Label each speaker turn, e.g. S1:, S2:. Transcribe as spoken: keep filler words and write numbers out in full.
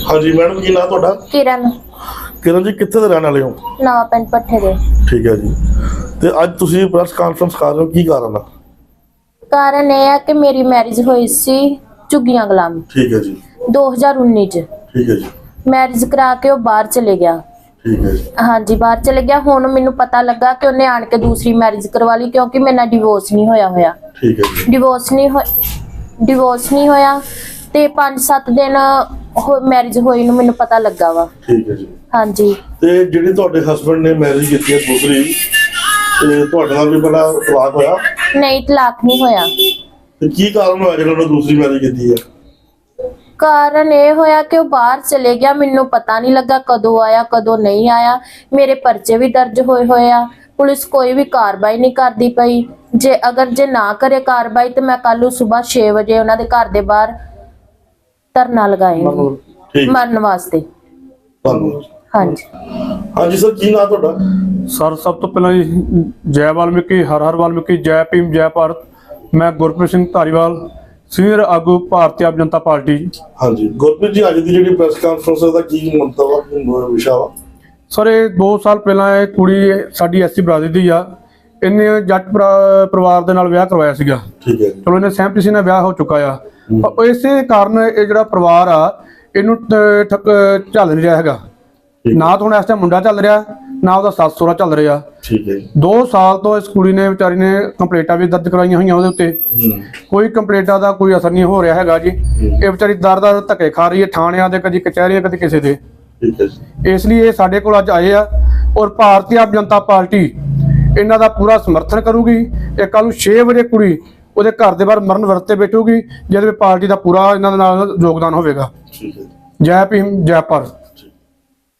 S1: हाँ जी मैडम की नाम ਤੁਹਾਡਾ?
S2: किरण
S1: किरण जी कित्थे ਦੇ ਰਹਿਣ ਵਾਲੇ ਹੋ?
S2: नवा पिंड पट्ठे दे।
S1: ठीक है जी। ਤੇ ਅੱਜ ਤੁਸੀਂ ਪ੍ਰੈਸ ਕਾਨਫਰੰਸ ਕਰ ਰਹੇ ਹੋ, ਕੀ ਕਾਰਨ ਆ?
S2: ਕਾਰਨ ਇਹ ਹੈ ਕਿ ਮੇਰੀ ਮੈਰਿਜ ਹੋਈ ਸੀ ਝੁੱਗੀਆਂ ਗੁਲਾਮ
S1: ਠੀਕ ਹੈ ਜੀ।
S2: ਦੋ ਹਜ਼ਾਰ ਉੱਨੀ ਚ
S1: ਠੀਕ ਹੈ ਜੀ।
S2: ਮੈਰਿਜ ਕਰਾ ਕੇ ਉਹ ਬਾਹਰ ਚਲੇ ਗਿਆ।
S1: ਠੀਕ ਹੈ ਜੀ।
S2: ਹਾਂਜੀ ਬਾਹਰ ਚਲੇ ਗਿਆ। ਹੁਣ ਮੈਨੂੰ ਪਤਾ ਲੱਗਾ ਕਿ ਉਹਨੇ ਆਣ ਕੇ ਦੂਸਰੀ ਮੈਰਿਜ ਕਰਵਾ ਲਈ ਕਿਉਂਕਿ ਮੇਰੇ ਨਾਲ ਡਿਵੋਰਸ ਨਹੀਂ ਹੋਇਆ ਹੋਇਆ।
S1: ਠੀਕ ਹੈ ਜੀ।
S2: ਡਿਵੋਰਸ ਨਹੀਂ ਹੋਇਆ ਡਿਵੋਰਸ ਨਹੀਂ ਹੋਇਆ ਤੇ ਪੰਜ ਸੱਤ ਦਿਨ ਮੈਰਿਜ ਹੋਈ ਨੂੰ ਮੈਨੂੰ ਪਤਾ ਲੱਗਾ ਵਾ।
S1: ਠੀਕ ਹੈ ਜੀ।
S2: ਹਾਂਜੀ
S1: ਤੇ ਜਿਹੜੀ ਤੁਹਾਡੇ ਹਸਬੰਡ ਨੇ ਮੈਰਿਜ ਕੀਤੀ ਹੈ ਦੂਸਰੀ, ਤੇ ਤੁਹਾਡੇ ਨਾਲ ਵੀ ਬੜਾ ਤਲਾਕ ਹੋਇਆ?
S2: ਨਹੀਂ ਤਲਾਕ ਨਹੀਂ ਹੋਇਆ।
S1: ਤੇ ਕੀ ਕਾਰਨ ਹੋਇਆ ਜਿਹੜਾ ਉਹਨੇ ਦੂਸਰੀ ਮੈਰਿਜ ਕੀਤੀ ਹੈ?
S2: ਕਾਰਨ ਇਹ ਹੋਇਆ ਕਿ ਉਹ ਬਾਹਰ ਚਲੇ ਗਿਆ। ਮੈਨੂੰ ਪਤਾ ਨਹੀਂ ਲੱਗਾ ਕਦੋਂ ਆਇਆ ਕਦੋਂ ਨਹੀਂ ਆਇਆ। ਮੇਰੇ ਪਰਚੇ ਵੀ ਦਰਜ ਹੋਏ ਹੋਏ ਆ। ਪੁਲਿਸ ਕੋਈ ਵੀ ਕਾਰਵਾਈ ਨਹੀਂ ਕਰਦੀ ਪਈ। ਜੇ ਅਗਰ ਜੇ ਨਾ ਕਰੇ ਕਾਰਵਾਈ ਤੇ ਮੈਂ ਕੱਲ ਨੂੰ ਸਵੇਰ ਛੇ ਵਜੇ ਉਹਨਾਂ ਦੇ ਘਰ ਦੇ ਬਾਹਰ ਧਰਨਾ ਲਗਾਏਂਗੀ
S1: ਠੀਕ
S2: ਮਰਨ ਵਾਸਤੇ।
S1: ਧੰਨਵਾਦ।
S2: ਹਾਂਜੀ
S1: ਹਾਂਜੀ ਸਰ ਕੀ ਨਾਮ ਤੁਹਾਡਾ?
S3: ਸਰ ਸਭ ਤੋਂ ਪਹਿਲਾਂ ਜੀ ਜੈ ਵਾਲਮੀਕੀ, ਹਰ ਹਰ ਵਾਲਮੀਕੀ, ਜੈ ਭੀਮ, ਜੈ ਭਾਰਤ। ਮੈਂ ਗੁਰਪ੍ਰੀਤ ਸਿੰਘ ਧਾਰੀਵਾਲ, ਸੀਨੀਅਰ ਆਗੂ ਭਾਰਤੀ ਆਪ ਜਨਤਾ ਪਾਰਟੀ।
S1: ਹਾਂਜੀ ਗੁਰਪ੍ਰੀਤ ਜੀ, ਅੱਜ ਦੀ ਜਿਹੜੀ ਪ੍ਰੈਸ ਕਾਨਫਰੰਸ ਦਾ ਕੀ ਮੰਤਵ ਆ, ਕੀ ਵਿਸ਼ਾ ਵਾ?
S3: ਸਰ ਇਹ ਦੋ ਸਾਲ ਪਹਿਲਾਂ ਇਹ ਕੁੜੀ ਸਾਡੀ ਐਸਸੀ ਬਰਾਦਰੀ ਦੀ ਆ। ਇਹਨੇ ਜੱਟ ਪਰਿ- ਪਰਿਵਾਰ ਦੇ ਨਾਲ ਵਿਆਹ ਕਰਵਾਇਆ ਸੀਗਾ।
S1: ਠੀਕ ਹੈ ਜੀ।
S3: ਚਲੋ ਇਹਨੇ ਸਹਿਮਤੀ ਸੀ ਨਾਲ ਵਿਆਹ ਹੋ ਚੁੱਕਾ ਆ। ਪਰ ਇਸੇ ਕਾਰਨ ਇਹ ਜਿਹੜਾ ਪਰਿਵਾਰ ਆ ਇਹਨੂੰ ਟ- ਠੱਕ ਚੱਲ ਨਹੀਂ ਰਿਹਾ ਹੈਗਾ। ਨਾ ਤਾਂ ਹੁਣ ਇਸ ਟਾਈਮ ਮੁੰਡਾ ਚੱਲ ਰਿਹਾ, ਨਾ ਉਹਦਾ ਸੱਸ ਸਹੁਰਾ ਚੱਲ ਰਿਹਾ।
S1: ਠੀਕ ਹੈ ਜੀ।
S3: ਦੋ ਸਾਲ ਤੋਂ ਇਸ ਕੁੜੀ ਨੇ ਵਿਚਾਰੀ ਨੇ ਕੰਪਲੇਂਟਾਂ ਵੀ ਦਰਜ ਕਰਾਈਆਂ ਹੋਈਆਂ ਉਹਦੇ ਉੱਤੇ। ਕੋਈ ਕੰਪਲੇਂਟਾਂ ਦਾ ਕੋਈ ਅਸਰ ਨਹੀਂ ਹੋ ਰਿਹਾ ਹੈਗਾ ਜੀ। ਇਹ ਵਿਚਾਰੀ ਦਰ ਦਰ ਧੱਕੇ ਖਾ ਰਹੀ ਹੈ ਥਾਣਿਆਂ ਦੇ, ਕਦੀ ਕਚਹਿਰੀਆਂ, ਕਦੀ ਕਿਸੇ ਦੇ।
S1: ਠੀਕ ਹੈ ਜੀ।
S3: ਇਸ ਲਈ ਇਹ ਸਾਡੇ ਕੋਲ ਅੱਜ ਆਏ ਆ ਔਰ ਭਾਰਤੀ ਆਪ ਜਨਤਾ ਪਾਰਟੀ ਇਹਨਾਂ ਦਾ ਪੂਰਾ ਸਮਰਥਨ ਕਰੂਗੀ। ਇਹ ਕੱਲ ਨੂੰ ਛੇ ਵਜੇ ਕੁੜੀ ਉਹਦੇ ਘਰ ਦੇ ਬਾਹਰ ਮਰਨ ਵਰਤ ਤੇ ਬੈਠੂਗੀ, ਜਿਹਦੇ ਵਿੱਚ ਪਾਰਟੀ ਦਾ ਪੂਰਾ ਇਹਨਾਂ ਦੇ ਨਾਲ ਯੋਗਦਾਨ ਹੋਵੇਗਾ।
S1: ਠੀਕ ਹੈ।
S3: ਜੈ ਭੀਮ, ਜੈ ਭਾਰਤ।